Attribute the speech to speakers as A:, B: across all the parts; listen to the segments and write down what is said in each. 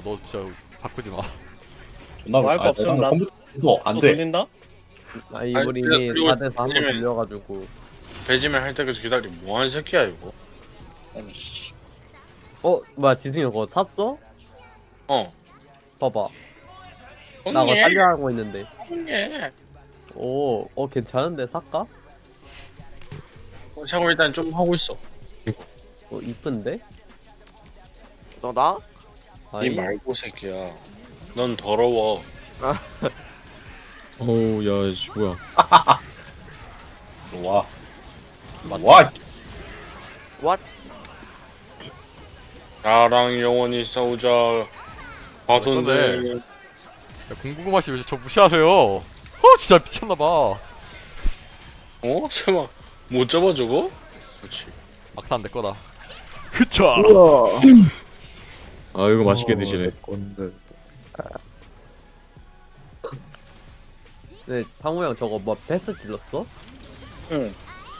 A: 너 진짜 바꾸지 마.
B: 존나
C: 뭐할거 없으면 나-
B: 컴퓨터도
C: 또
B: 안돼.
C: 돌린다?
D: 아니
E: 아니,
D: 우리 이미
E: 그리고
D: 4대4 한번
E: 왜냐면-
D: 돌려가지고.
E: 배지맨 할 때까지 기다리. 뭐하는 새끼야 이거?
C: 아니 씨.
D: 뭐야 지승이 그거 샀어?
E: 어.
D: 봐봐 나 그거
E: 형님.
D: 살려하고 있는데.
E: 형님.
D: 괜찮은데 살까?
E: 샤고 일단 좀 하고 있어.
D: 이쁜데?
F: 너 나?
E: 니
D: 아니
E: 말고 새끼야. 넌 더러워.
A: 어우 야 씨, 뭐야.
B: 와.
A: 맞다.
B: 와.
F: 왓?
E: 나랑 영원히 싸우자. 과손들.
A: 야, 공구구마씨 왜 저 무시하세요? 진짜 미쳤나봐.
E: 어? 설마 못 잡아 저거? 그렇지.
A: 막상 내 거다. 흐차. 아 이거 맛있게 드시네.
D: 네, 상우 형 저거 뭐 베스 질렀어?
C: 응.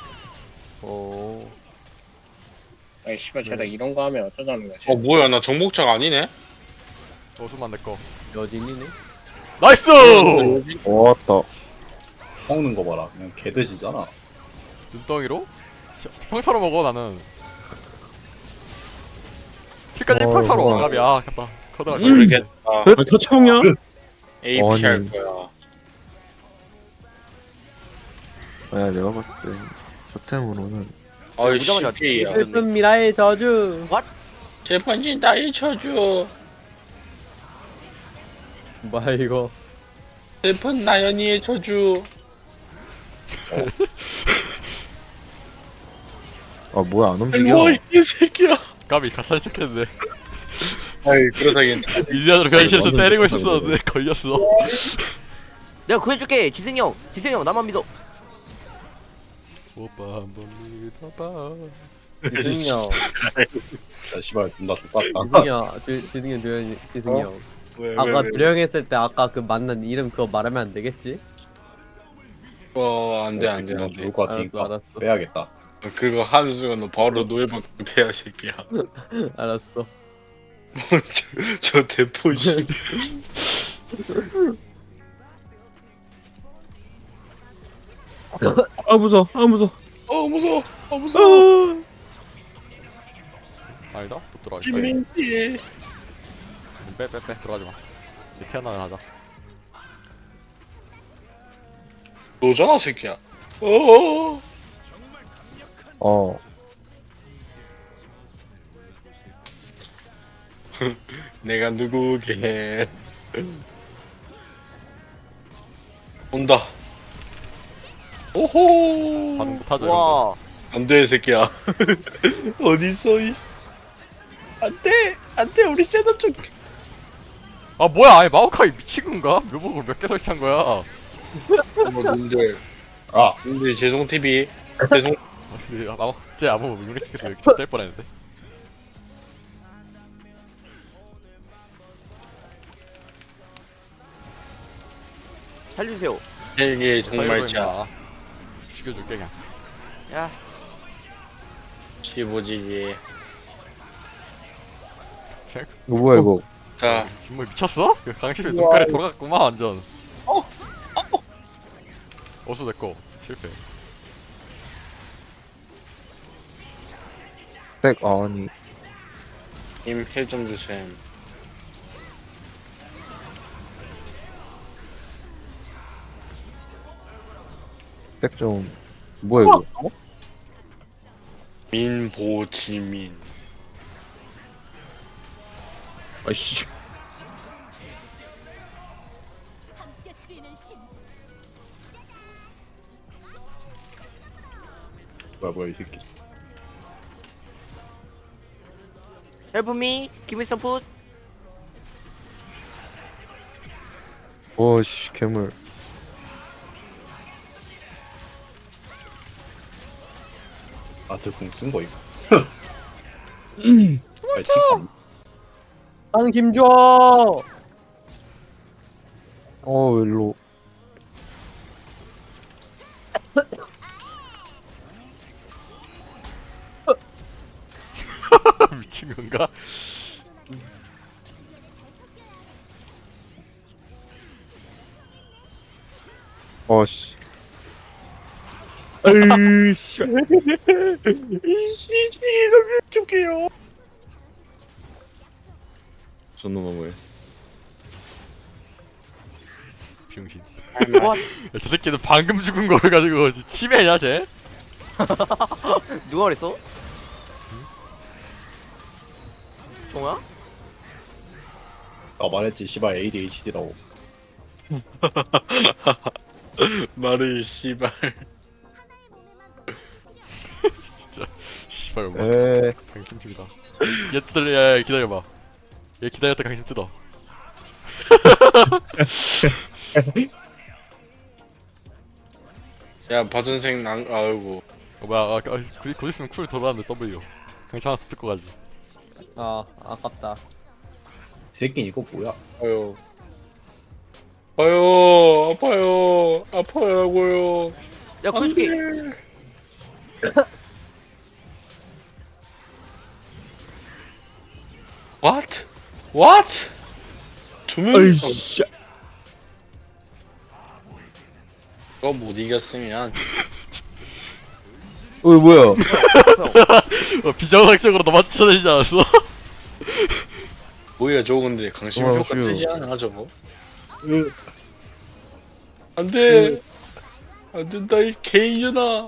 C: 아이 씨발 쟤가 이런 거 하면 어쩌자는 거지?
E: 뭐야 나 정복자가 아니네?
A: 어수만 내 거.
D: 여진이네.
A: 나이스.
B: 왔다. 먹는 거 봐라. 그냥 개돼지잖아.
A: 눈덩이로? 평타로 먹어 나는. 킬까지 평타로 와갑이 아깝다. 커다가
E: 모르겠다.
A: 터치형이야?
E: AP 할 거야.
G: 야, 내가 봤을 때 토템으로는
E: 어이
F: 오자마자
E: CP야.
D: 슬픈 미라의 저주.
E: 재판진 나의 저주.
D: 뭐야 이거?
E: 슬픈 나연이의 저주.
G: 아 뭐야 안 움직여?
E: 뭐 이 새끼야.
A: 까비 가살 척했는데.
E: 아이 그러다 괜찮아.
A: 일리안으로 변신해서 때리고 있었는데 걸렸어.
F: 내가 구해줄게. 지승이 형. 지승이 형 나만 믿어.
A: 오빠 한번 믿어봐.
D: 지승이 형.
B: 야, 씨발 존나 족같다.
D: 지승이 형. 지승이 형 조용히. 지승이 형. 아까 조용했을 때 아까 그 만난 이름 그거 말하면 안 되겠지?
E: 안돼 안돼 안돼.
B: 좋을 것
D: 알았어
B: 같으니까
D: 알았어
B: 빼야겠다.
E: 그거 하는 순간 너 바로 노예방 돼야 새끼야.
D: 알았어.
E: 저 대포 씨.
G: 아 무서워 무서워.
E: 무서워. 무서워.
A: 아니다. 못 들어가겠다.
E: 김민지.
A: 빼 들어가지 마. 이제 태어나면 하자.
E: 너잖아 새끼야. 어어.
G: 어
E: 내가 누구게. 온다. 오호.
A: 반응 못하죠. 이런 거.
F: 와.
E: 안돼 새끼야. 어딨어 이. 안돼 우리 셋업 좀.
A: 아 뭐야? 아니 마오카이 미친 건가? 묘목을 몇 개 설치한 거야?
E: 님들.
B: 아.
E: 님들 죄송 TV. 죄송.
A: 쟤 아무 유니티에서 여기 뗄 뻔했는데.
F: 살려주세요.
E: 헬기의 종말자.
A: 살려줘, 임마. 죽여줄게 그냥.
F: 야.
E: 15지기.
G: 이거 뭐야 이거?
E: 자.
A: 김모이 미쳤어? 그 강심이 눈깔이 돌아갔구만 완전. 어수 내꺼 실패.
G: 백 아니
E: 님힐좀 주셈.
G: 백좀 뭐야 이거?
E: 민보지민.
A: 아이씨.
B: 뭐야 이 새끼.
F: Help me. Give me some food.
G: 오씨 괴물.
B: 아트궁 쓴 거 이거. 아니, 팀
D: 한 김줘.
G: 일로.
A: 미친 건가?
G: 어씨.
D: 으이씨.
E: 줄게요.
B: 존놈아 뭐야.
A: 병신.
F: 와,
A: 야, 저 새끼는 방금 죽은 걸 가지고 치매냐 쟤?
F: 누가 그랬어? 종아?
B: 아 말했지 씨발 ADHD라고.
E: 말을 씨발.
A: 씨발 뭐
G: 에.
A: 강심 중이다. 얘 뜯을 야 기다려봐. 얘 기다렸다 강심 뜯어.
E: 야 바전생 난 아이고.
A: 뭐야 곧 있으면 쿨 돌아왔는데 W. 강심 하나 뜯고 가지.
D: 아 아깝다.
B: 새끼 이거 뭐야?
E: 아유. 아유 아파요 아파요라고요.
F: 야, 구해줄게.
E: What? What? 두 명이
D: 으이씨.
E: 이거 못 이겼으면
G: 뭐야?
A: 비정상적으로 너만 쫓아내지 않았어?
E: 뭐야 저거 근데 강심
G: 어,
E: 효과
G: 휴.
E: 뜨지 않아 저거? 안돼 안된다 이 개이년아.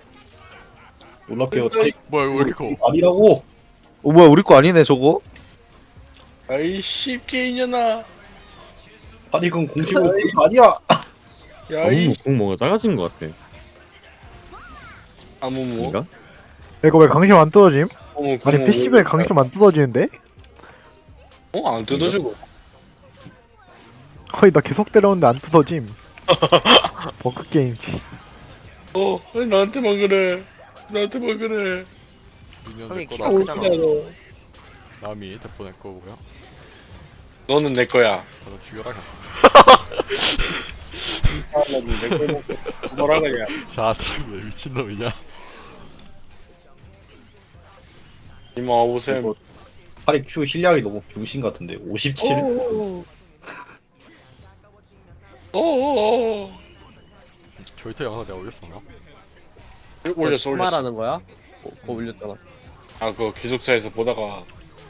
B: 놀랍게도
A: 뭐야 이거 왜 이렇게 커?
B: 아니라고.
G: 뭐야 우리 거 아니네 저거?
E: 아이 씨 개이년아.
B: 아니 그건 공식으로 된 거 아니야.
E: 야이
H: 공 뭔가 작아진 것 같아.
E: 아무 뭐
H: 아닌가?
I: 이거 왜 강심 안 뜯어짐?
E: 어머
I: 아니 PC방에 강심 안 뜯어지는데?
E: 어안 뜯어주고
I: 거의 나 계속 때렸는데 안 뜯어짐. 버그게임.
E: 왜 나한테만 그래 나한테만 그래.
A: 미니언
F: 형이
A: 내
F: 키가
A: 거다.
F: 크잖아.
A: 남이 대포 내 거고요.
E: 너는 내 거야.
A: 저도 죽여라 그냥.
E: 내걸 먹고 뭐라 그냥.
A: 자, 왜 미친놈이냐?
E: 이모 와보세요.
B: 이거 팔이 Q 실력이 너무 병신 같은데 57.
E: 어어어.
A: 조이터 영상 내가 올렸었나?
E: 올렸어 올렸어.
D: 말하는 거야? 그거 올렸잖아.
E: 아 그거 기숙사에서 보다가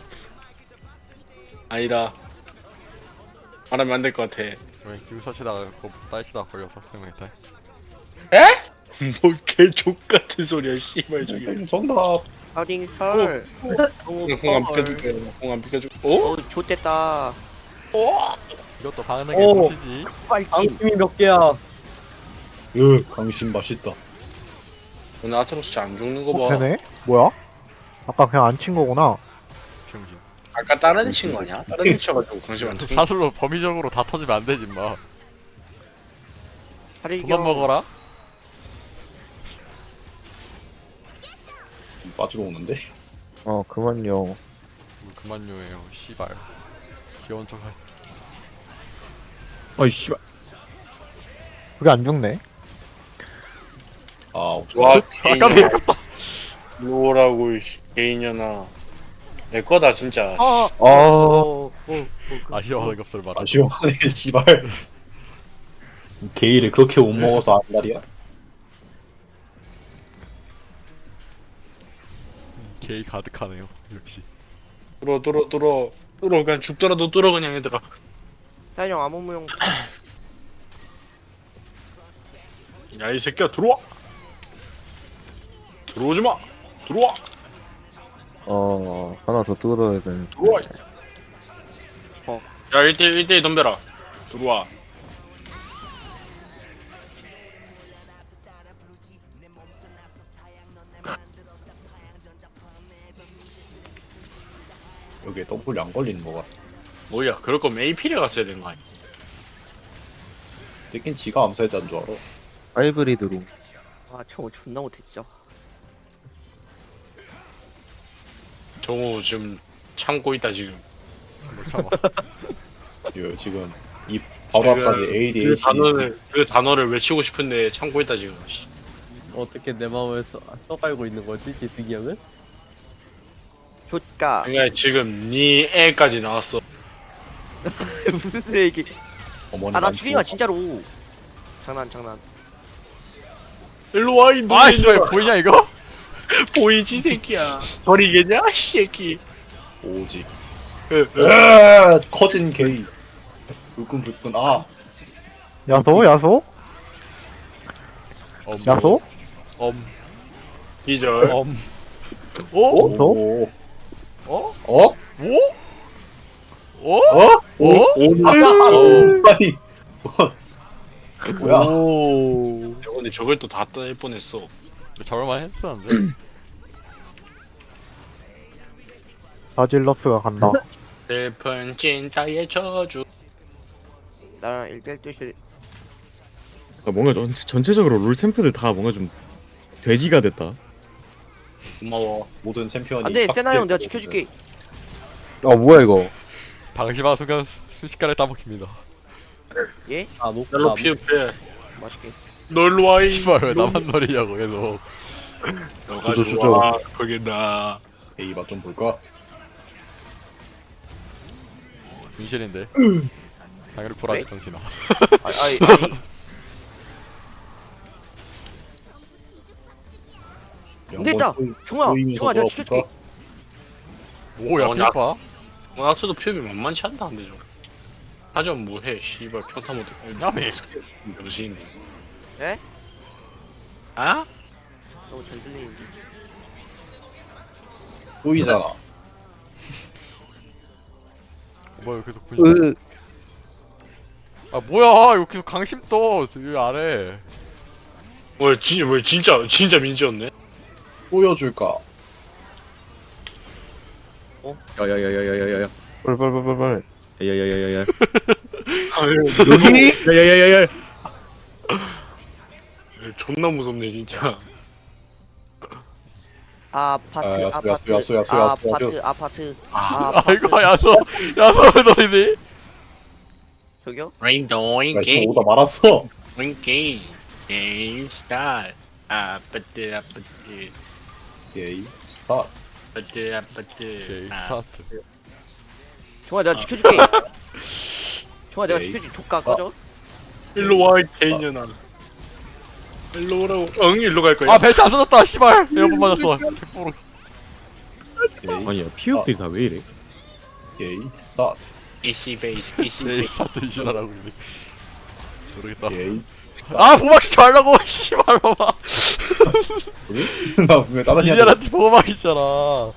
E: 아니다. 말하면 안 될 것 같아.
A: 왜 기숙사치다가 그거 딸치다가 걸려서 생각했다.
E: 뭐 개족 같은 소리야 씨발 저게.
B: 정답.
F: 하딩 설.
E: 공안 비켜줄게. 공안 비켜줄게. 어?
F: 좋댔다.
A: 이것도 가능하게
D: 오.
A: 보시지.
F: 빨팀.
D: 강심이 몇 개야?
B: 강심 맛있다.
E: 오늘 아트록스 안 죽는 거 봐.
I: 되네? 뭐야? 아까 그냥 안 친 거구나.
A: 병신.
E: 아까 다른 친 거냐? 다른 친 쳐가지고 강심 안 죽는 거.
A: 사슬로 범위적으로 다 터지면 안 되지 마.
F: 하리경.
A: 그만 먹어라.
B: 빠지러 오는데.
G: 그만요.
A: 그만요예요. 씨발. 귀여운 척.
H: 어이 씨발.
I: 그게 안 죽네.
B: 아
E: 와
A: 아까비
E: 개인년아. 뭐라고 이 개인년아. 내 거다 진짜.
A: 아쉬워하는 것을 말하.
B: 아쉬워하네 씨발. 게이를 그렇게 못 먹어서 안달이야?
A: 게이 가득하네요. 역시.
E: 뚫어 그냥 죽더라도 뚫어 그냥 얘들아.
F: 사인형 암호무용.
E: 야 이 새끼야 들어와. 들어오지 마. 들어와.
G: 하나 더 뜯어야 되는데.
E: 들어와. 야 1대1 덤벼라. 들어와.
B: 여기에 더블이 안 걸리는 거가.
E: 뭐야 그럴 거면 AP를 갔어야 되는 거 아니야?
B: 새끼는 지가 암살했다는 줄 알아.
G: 하이브리드로.
F: 아, 저거 존나 못해 진짜.
E: 정우 지금 참고 있다 지금.
A: 못 참아.
B: 지금 이 바로 앞까지
E: 그
B: ADHD.
E: 단어를 외치고 싶은데 참고 있다 지금. 씨.
D: 어떻게 내 마음을 써갈고 있는 거지, 지승이 형은?
F: 좋까.
E: 그러니까 지금 네 애까지 나왔어.
F: 무슨 얘기?
B: 어머니
F: 아, 나
B: 난
F: 죽이지 마
B: 죽어.
F: 진짜로. 장난.
E: 일로 와, 이
A: 아 씨발 보이냐 이거?
E: 보이지, 새끼야. 버리겠냐, 이 새끼.
B: 오지.
E: 으,
B: 커진 게이. 불끈. 아,
I: 야소 야소 야소
E: 기절.
A: 오?
B: 오.
A: 어?
B: 어?
A: 오?
B: 어?
A: 오?
B: 아니. 뭐야?
D: 오.
E: 야, 근데 저걸 또 다 떠낼 뻔했어.
A: 저럴만 했었는데.
I: 바질러스가 간다.
E: 슬픈 찐따의 저주.
F: 나랑 1대1 뜻이
H: 그러니까 뭔가 전체적으로 롤 챔프들 다 뭔가 좀 돼지가 됐다.
E: 고마워.
B: 모든 챔피언이.
F: 안돼
B: 딱
F: 세나 형 내가
B: 됐거든.
F: 지켜줄게.
G: 뭐야 이거?
A: 방심한 순간 순식간에 따먹힙니다.
F: 예?
D: 아 녹.
E: 날로 피흡해.
F: 맛있게.
E: 널로 와, 이.
A: 씨발 왜 나만 노리냐고 계속.
E: 너가
G: 주저,
E: 좋아. 거기다.
B: 게이 맛좀 볼까?
A: 분실인데. 당연히 보라지
F: 왜?
A: 정신아.
F: 아니 근데 있다. 종아 내가 지켜줄게.
A: 오야
E: 나-
A: 피파.
E: 원학수도 피흡이 만만치 않다, 근데 좀. 하전 뭐해, 씨발. 평타 못해. 야매, 병신인데.
F: 에?
E: 아?
F: 너무 잘 들리는데.
B: 보이잖아.
A: 뭐야 계속 분실.
G: 으.
A: 아 뭐야 이거 계속 강심 떠 여기 아래.
E: 왜 진짜 민지였네?
B: 보여줄까?
H: 야야야야야야야.
G: 빨빨빨빨빨.
H: 야야야야야.
E: 아유,
H: 여기? 야야야야야.
E: 존나 무섭네, 진짜.
F: 아파트
B: 아,
F: 아파트
B: 야수.
F: 아파트
A: 아이고 야소 왜 노리니?
F: 저기요?
E: 링도잉
B: 나 지금 오다 말았어.
E: 게임 게임 스타트. 아파트
B: 게이. 아,
A: 오케이
E: 아파트.
A: 스타트.
F: 종아 내가 지켜줄게. 종아 내가
B: 에이.
F: 지켜줄게. 족가 꺼져.
E: 일로 와, 이 개년아. 일로 오라고. 응, 일로 갈 거야.
A: 아 벨트 안 써졌다 씨발. 에어본 맞았어. 개뽀로.
B: 게이.
H: 아니야 피읍들이 다 왜 이래?
B: 게이. 스타트.
E: 이씨 베이스, 이씨
A: 네
E: 베이스.
A: 스타트 이시라라고 이제. 모르겠다.
B: 게이.
A: 아 보막시지 말라고 씨발 봐봐.
B: 나 분명 다른
A: 이년한테 보막 있잖아.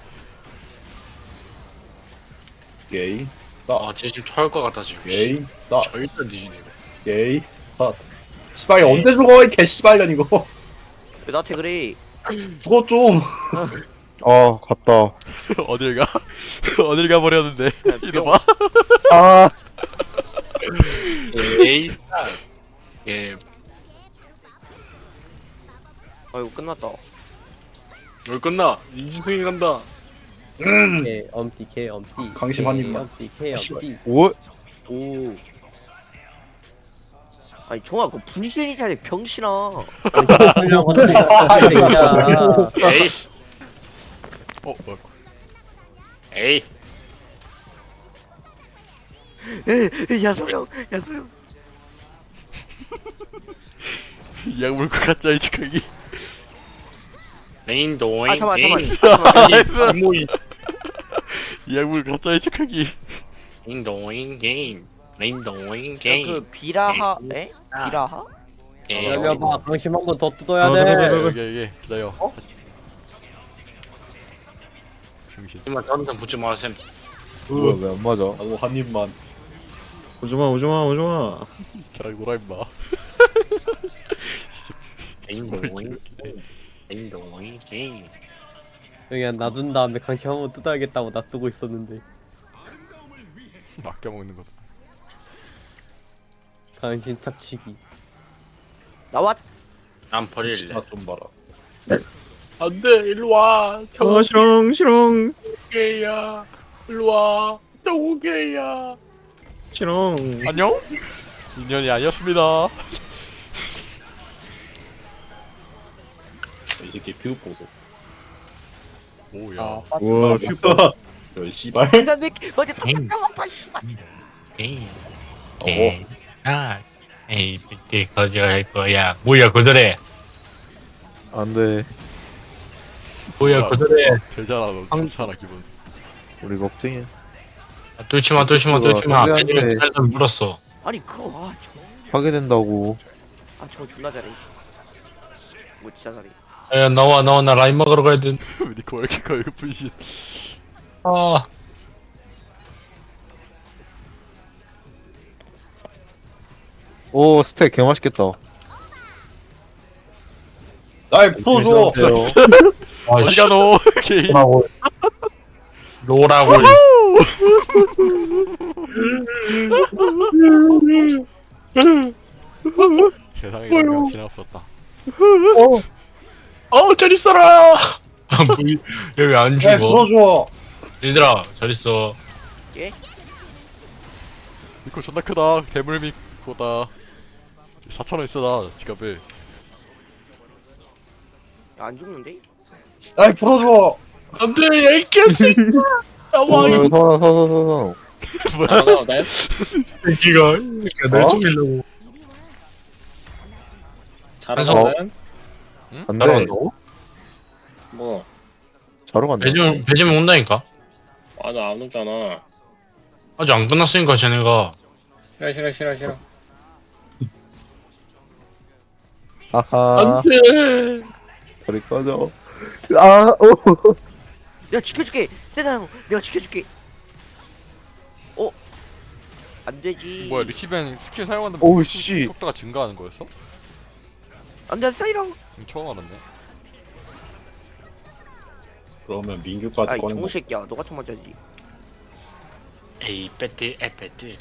B: 게이. 스타트.
E: 아, 쟤 지금 토할 것 같다, 지금.
B: 게이. 스타트.
E: 절대 뒤지네.
B: 게이. 스타트. 씨발 언제 죽어 이 개씨발년 이거.
F: 왜 나한테 그래?
B: 죽어 좀.
G: 갔다.
A: 어딜 가? 어딜 가 버렸는데. 이거 봐.
G: 아.
E: 게이 스타트. 예,
F: 아이고 끝났다.
E: 뭘 끝나? 이지승이 간다.
D: 개 엄티 개 엄티.
B: 강심 한 입만.
D: 엄티 개 엄티.
G: 오.
F: 오. 아니 종아 그거 분신이잖아 병신아.
D: 하려고 하는데 야.
E: 에이,
A: 뭐야?
E: 에이.
F: 야소영 야소영.
A: 약물고 가짜 이 즉각이.
E: 링도잉
F: 아 잠깐만
E: 게임.
F: 잠깐만.
E: 모이.
A: 약물 가짜 이 즉각이.
E: 링도잉 게임. 링도잉
F: 야,
E: 게임.
F: 그 비라하 에? 비라하?
D: 열려봐. 강심 한 번 더 뜯어야
H: 네.
D: 돼.
A: 여기 기다려. 중신.
E: 이만 다른 사람 붙지 마, 쌤.
G: 뭐야 왜 안 맞아?
B: 나도 한 입만.
H: 오지마.
A: 걔랑 놀아 임마.
E: 링도잉 링도잉 게임.
D: 그냥 놔둔 다음에 강심 한 번 뜯어야겠다고 놔두고 있었는데
A: 아껴 먹는 거.
D: 강심 착취기.
F: 나왔.
E: 난 버릴래.
B: 진짜 좀 봐라.
E: 안돼, 일로 와.
H: 시렁.
E: 게이야. 일로 와. 정우게이야.
H: 시렁.
A: 안녕? 인연이 아니었습니다.
B: 이 새끼 피우 보소.
A: 오야.
H: 우와
B: 열 씨발.
F: 인간 새끼 어디 다 닦아왔다 씨발.
E: 게임.
B: 어.
E: 아, 에이 PT 거절할 거야. 뭐야 거절해.
G: 안돼.
E: 뭐야 거절해.
A: 제일 잘하는 괜찮아 기분.
G: 우리 걱정이야.
E: 뚫지마 뚫지마 뚫지마.
G: 그거
E: 패지면 살짝 물었어.
F: 아니 그거
G: 파괴된다고.
F: 저거 존나 잘해. 뭐 진짜 잘해.
E: 야 나와 나 라인 먹으러 가야 돼.
A: 니코 왜 이렇게 커 이거 분신.
E: 아
G: 오 스택 개 맛있겠다.
B: 날 풀어줘.
A: 어디가 너 개인.
E: 로라고.
A: 세상에 영향 지나었었다.
E: 잘 있어라. 여기 안
B: 날
E: 죽어.
B: 풀어줘.
E: 얘들아 잘 있어.
A: 니코 존나 크다. 괴물미코다. 4,000원 있어 나 지갑에.
F: 안 죽는데?
B: 날 풀어줘.
E: 안돼 야이 개새끼. 나와 이
G: 서서.
C: 나가 나요?
E: 새끼가 날 죽이려고.
C: 잘하잖아요?
G: 안돼.
E: 따라간다고?
C: 뭐
G: 자러 간다.
E: 배지면 온다니까.
C: 아나 안 오잖아.
E: 아직 안 끝났으니까 쟤네가.
C: 싫어.
G: 아하.
E: 안돼.
G: 저리 꺼져. 아 오.
F: 내가 지켜줄게. 세다 형. 내가 지켜줄게. 안 되지.
A: 뭐야 리치벤 스킬 사용하는
G: 오우, 씨.
A: 속도가 증가하는 거였어?
F: 안 돼, 사이랑.
A: 처음 알았네.
B: 그러면 민규까지
F: 아이
B: 꺼낸
F: 정우
B: 거.
F: 새끼야. 너가 총 맞아야지.
E: 에이 배트 에페트.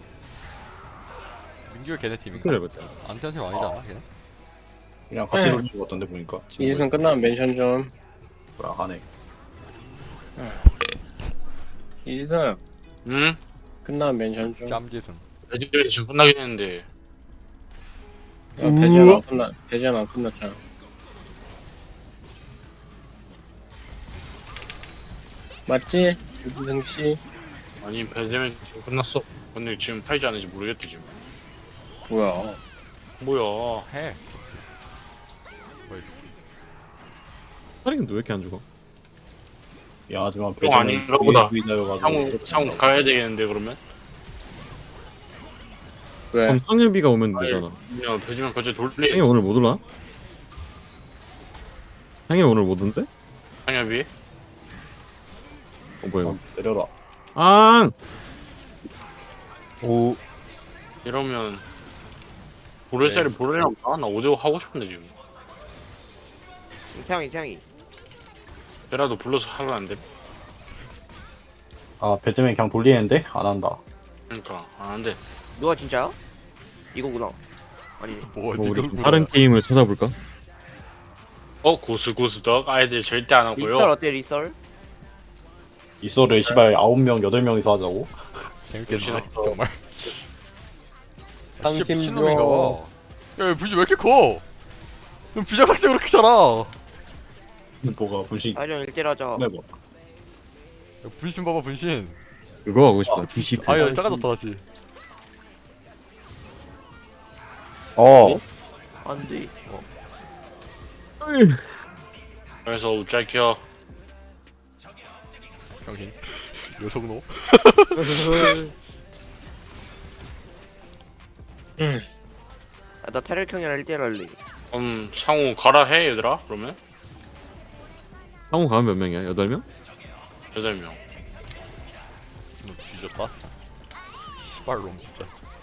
A: 민규가 걔네 팀인가?
H: 그래 맞자.
A: 안티한 팀 아니잖아 걔네?
B: 그냥 같이 돌린 거 같던데 보니까.
C: 이승 끝나면 멘션 좀.
B: 뭐야 하네.
C: 이승
E: 응?
C: 끝나면 멘션 좀.
A: 짬지승.
E: 배지면이 지금 끝나긴 했는데.
C: 배제는 안 끝났잖아. 맞지? 유지승 씨.
E: 아니 배지면 지금 끝났어. 근데 지금 팔지 않은지 모르겠대 지금.
C: 뭐야?
E: 뭐야?
A: 해. 뭐야 이 새끼.
H: 사링은 왜 이렇게 안 죽어?
B: 야 하지만
E: 그거 아닌가 보다. 상우
B: 상우
E: 가야 되겠는데 그러면?
C: 왜?
H: 그럼 상엽이가 오면 되잖아.
E: 야 배지면 갑자기
H: 상엽
E: 돌리.
H: 오늘 못 올라? 상엽 오늘 못 온대?
E: 상엽이?
H: 뭐야 이거?
B: 내려라.
H: 아!
G: 오.
E: 이러면 보레살이 보레랑 나 5대5 하고 싶은데 지금.
F: 태양이.
E: 걔라도 불러서 하면 안 돼?
B: 아 배트맨 그냥 돌리는데 안 한다.
E: 그러니까 안 돼.
F: 누가 진짜야? 이거구나. 아니.
A: 뭐
H: 뭐 우리
A: 니가
H: 좀 다른 게임을 찾아볼까?
E: 고스덕 아이들 절대 안 하고요.
F: 리썰 어때 리썰?
B: 이소를 시발 9명 8명이서 하자고.
A: 재밌겠다 정말.
D: 당신
A: 미친놈인가 봐. 야 분신 왜 이렇게 커? 넌 비정상적으로 크잖아.
B: 뭐가 분신.
F: 아이랑 1대1 하자.
B: 네 뭐.
A: 야, 분신 봐봐 분신.
H: 그거 하고 싶다. 디시트.
A: 아야 작아졌다 다시.
G: 어.
F: 안 돼.
E: 그래서 우짤겨.
A: 병신. 요속노.
F: 나 테렐형이랑 1대1 할래.
E: 상우 가라 해 얘들아 그러면?
H: 상우 가면 몇 명이야? 8명?
E: 8명.
A: 너 뒤졌다. 씨발놈 진짜.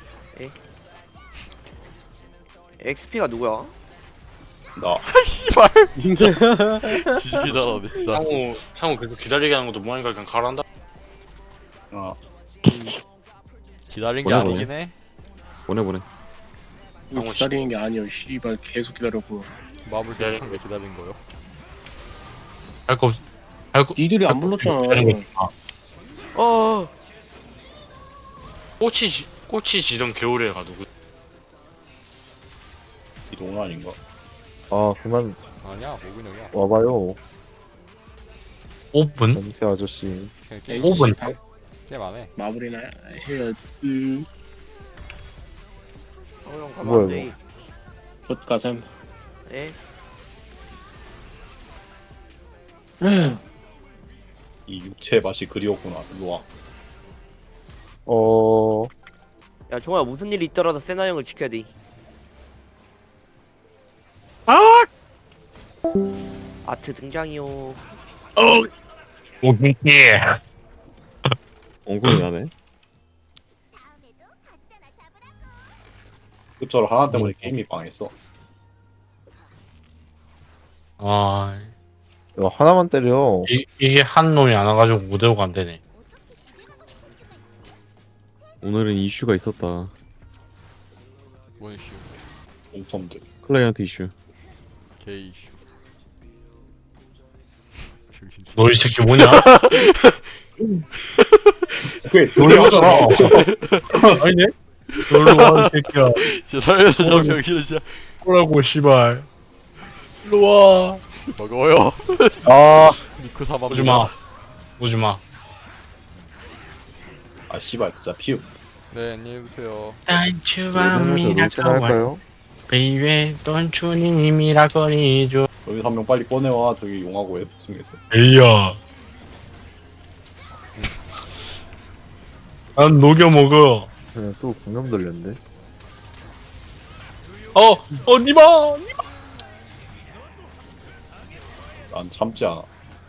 F: XP가 누구야?
B: 나.
A: 씨발. 뒤지기 잘하네 진짜.
E: 상우 계속 기다리게 하는 것도 뭐하니까 그냥 가란다.
B: 어.
A: 기다린 게
H: 보내,
A: 아니긴 해.
H: 보내.
C: 이거 기다리는 게 아니야. 씨발 계속 기다렸고.
A: 마블 대한 게 기다린 거요.
E: 할거
C: 니들이 안 불렀잖아.
F: 어.
E: 꽃이 지던 겨울에 가도
B: 이동은 아닌가?
G: 아 그만
A: 아니야 모근형이야.
G: 와봐요.
E: 5분?
G: 전태 아저씨.
A: 그냥 게임
E: 5분?
A: 게임 안 해.
C: 마무리나 해야.
F: 형 가면
G: 뭐야,
F: 안 돼.
C: 굿가슴.
F: 예?
B: 이 육체의 맛이 그리웠구나. 일로와.
F: 야 종아 무슨 일이 있더라도 세나 형을 지켜야 돼. 아트 등장이요.
E: 오케이.
H: 엉덩이 하네.
B: 그처럼 하나 때문에 게임이 망했어.
E: 아,
G: 이거 하나만 때려.
E: 이게 한 놈이 안 와가지고 무대오가 안 되네.
H: 오늘은 이슈가 있었다.
A: 뭔 이슈?
B: 옴섬들.
H: 클라이언트 이슈.
A: 게이 이슈. 정신.
E: 너 이 새끼 뭐냐?
B: 그게
E: 놀래잖아. 아니네? 놀러 와, 이 새끼야.
A: 진짜 살면서 저 정신을 진짜
E: 뭐라고, 씨발. 일로 와.
A: 먹어요.
G: 아,
A: 미쿠 사마.
E: 오지 마. 오지 마.
B: 아 씨발 진짜 피우.
A: 네 안녕히 계세요.
G: 그러면서 롤체나 할까요?
E: 베이베 돈추님이라거리죠.
B: 여기서 한 명 빨리 꺼내와. 저기 용하고 애 중에서.
E: 에이야. 난 녹여 먹어.
G: 그냥 또 공룡 돌렸네.
E: 니마.
B: 난 참지 않아.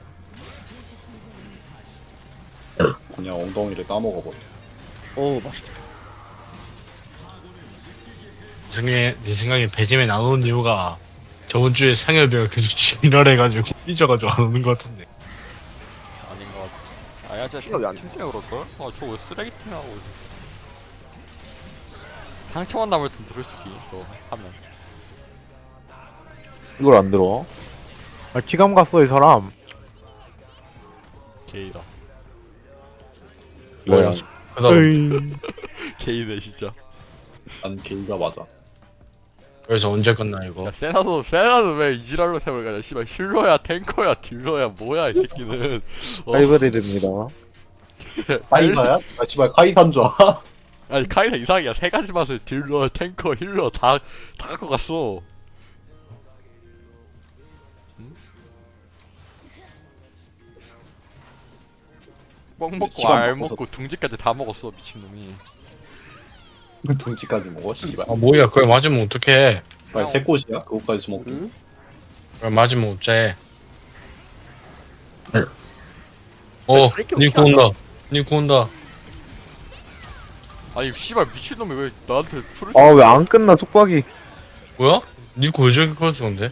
B: 그냥 엉덩이를 까먹어버려.
F: 오 맛있다.
E: 네 생각에 배짐에 나오는 이유가 저번 주에 상엽이가 계속 지랄해가지고 삐져가지고 안 오는 것 같은데.
A: 아닌 것 같아. 아야 진짜
F: 피가 왜안
A: 팀 때문에 그럴걸? 저왜 쓰레기팀이라고. 상처만 남을 땐 들을 수기 또 하면.
G: 이걸 안 들어?
I: 아, 지감 갔어 이 사람.
A: 게이다.
G: 뭐야?
A: 게이네 진짜.
B: 난 게이가 맞아.
E: 그래서 언제 끝나 이거?
A: 야 세나도 왜 이지랄로 세월 가냐? 씨발 힐러야 탱커야 딜러야 뭐야 이 새끼는.
G: 하이브리드입니다.
B: 카이사야? 아 씨발 카이사인 줄 알아?
A: 아니 카이사 이상이야. 세 가지 맛을 딜러, 탱커, 힐러 다 갖고 갔어. 응? 뻥 먹고
B: 시간
A: 알
B: 바꿔서-
A: 먹고 둥지까지 다 먹었어 미친놈이.
B: 그 둥지까지 먹어 씨발.
E: 뭐야 그걸 맞으면 어떡해?
B: 빨리 새 꽃이야? 그거까지 먹기.
F: 응?
E: 그걸 맞으면 어째?
F: 이렇게
E: 니코 온다. 니코 온다.
A: 아니 씨발 미친놈이 왜 나한테 풀을
G: 아, 왜 안 끝나, 속박이.
E: 뭐야? 니코 왜 저기 걸었는데?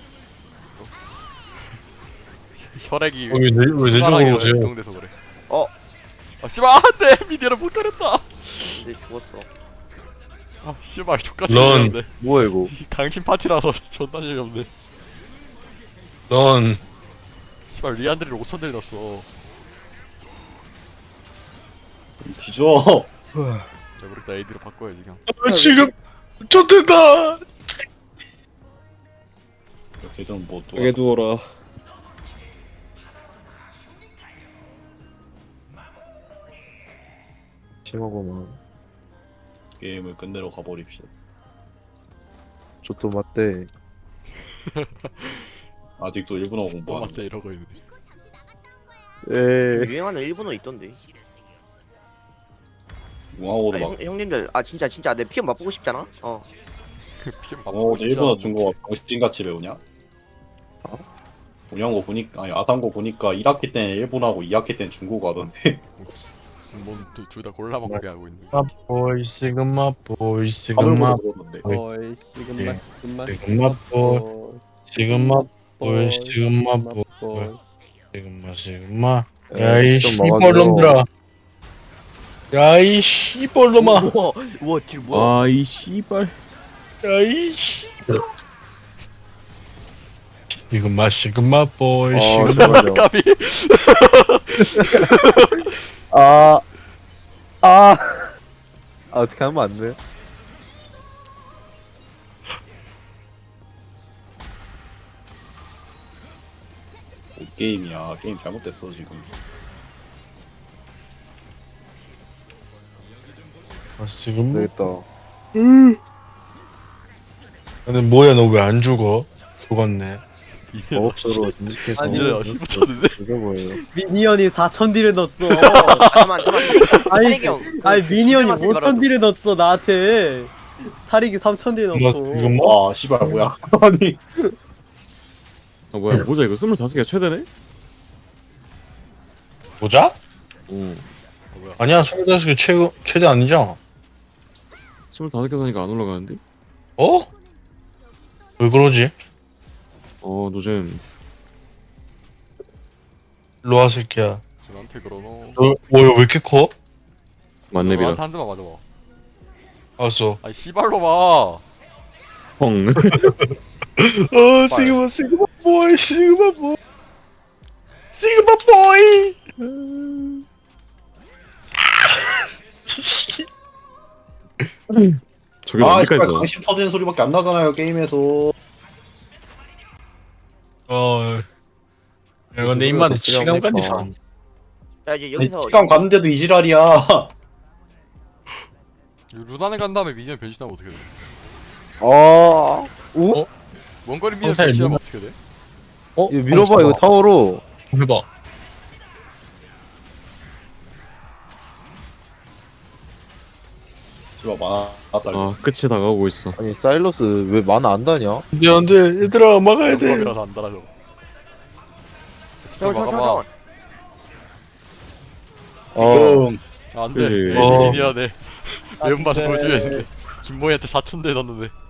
A: 혈액이
E: 왜내 쪽으로 오세요?
A: 이동돼서 그래.
F: 어.
A: 아 씨발 안돼 미디어를 못 가렸다.
F: 근데 죽었어.
A: 아 씨발 족같이
E: 런.
A: 생겼네.
G: 뭐야, 이거.
A: 강심 파티라서 존나 재미없네.
E: 넌
A: 씨발 리안드리를 5천 들렸어.
B: 뒤져.
A: 자 모르겠다 AD로 바꿔야지 그냥.
E: 지금 쫓된다.
B: 걔좀 뭐 또.
H: 두어라.
G: 심하구만.
B: 게임을 끝내러 가버립시다.
G: 저도 맞대.
B: 아직도 일본어
A: 뭐
B: 공부하는.
A: 맞다 이러고 있는데.
G: 에
F: 유행하는 일본어 있던데.
B: 용하고도 막.
F: 형님들 진짜 내 피해 맛보고 싶잖아.
A: 피임 맞고
B: 일본어 중국어 병신같이 배우냐? 운영고 보니까 아니 아상고 보니까 1학기 때는 일본하고 2학기 때는 중국어 하던데.
A: 뭐둘다 골라 먹게 하고 있는.
E: 보이 시그마 보이
B: 한국어
E: 시그마
B: 그러던데.
D: 어이 지금만
E: 시그마 보이 시그마 보이 시그마 보이 시그마 야이
G: 좀 먹어줘.
E: 씨벌놈들아 야이 씨벌놈아
F: 우와 딜 뭐야?
H: 아, 이 씨발.
E: 야이 씨 시그마 보이
G: 아,
E: 시그마
G: 잠깐만요.
A: 까비.
G: 어떻게 하면 안 돼?
B: 뭐 게임이야. 게임 잘못됐어 지금.
E: 시그마
G: 되겠다.
E: 근데 뭐야 너 왜 안 죽어? 죽었네.
G: 마법사로 전직해서
D: 아니,
A: 이제 15초인데?
G: 죽여버려요.
D: 미니언이 4,000딜을 넣었어.
F: 잠깐만
D: 아니,
F: 타릭이 형
D: 아니 미니언이
F: 말하지 말아줘.
D: 5,000딜을 넣었어 나한테. 타릭이 3,000딜
E: 이거
D: 넣고.
E: 이거 뭐?
B: 와 씨발 뭐야 아니
H: 아 뭐야 모자 이거 25개가 최대네?
E: 모자?
H: 어
E: 아니야 25개 최대 아니잖아.
H: 25개 사니까 안 올라가는데?
E: 어? 왜 그러지?
H: 노잼
E: 일로와 새끼야.
A: 나한테 그러노.
E: 뭐야 왜 이렇게 커?
H: 만렙이라
A: 나한테 한 대만 맞아봐.
E: 알았어.
A: 아니 씨발로 봐.
H: 펑
E: 시그마 보이 시그마 보이 시그마 보이.
H: 저게
B: 아
H: 언제까지
B: 씨발
H: 나와?
B: 강심 터지는 소리밖에 안 나잖아요 게임에서.
E: 야 근데 입맛에 치감까지 사.
F: 자 이제
B: 아니,
F: 여기서
B: 시간 갔는데도 이 지랄이야.
A: 루단에 간 다음에 미니언 변신하면 어떻게 돼?
G: 아,
A: 원거리 미니언
E: 상사에
A: 변신하면 어떻게 돼?
E: 어?
G: 이거 밀어봐 이거 타워로.
E: 해봐.
B: 씨발 많았다.
H: 끝이 다가오고 있어
G: 아니 사일러스 왜 만화 안 다냐?
E: 안돼 얘들아 막아야 돼.
A: 원거리라서 안 달아줘. 진짜 막아봐.
F: 잠깐만
G: 어,
B: 지금
A: 안 돼.
H: 그치.
A: 미니언에 매운맛을 보여줘야 했는데. 김모이한테 4,000대 넣었는데.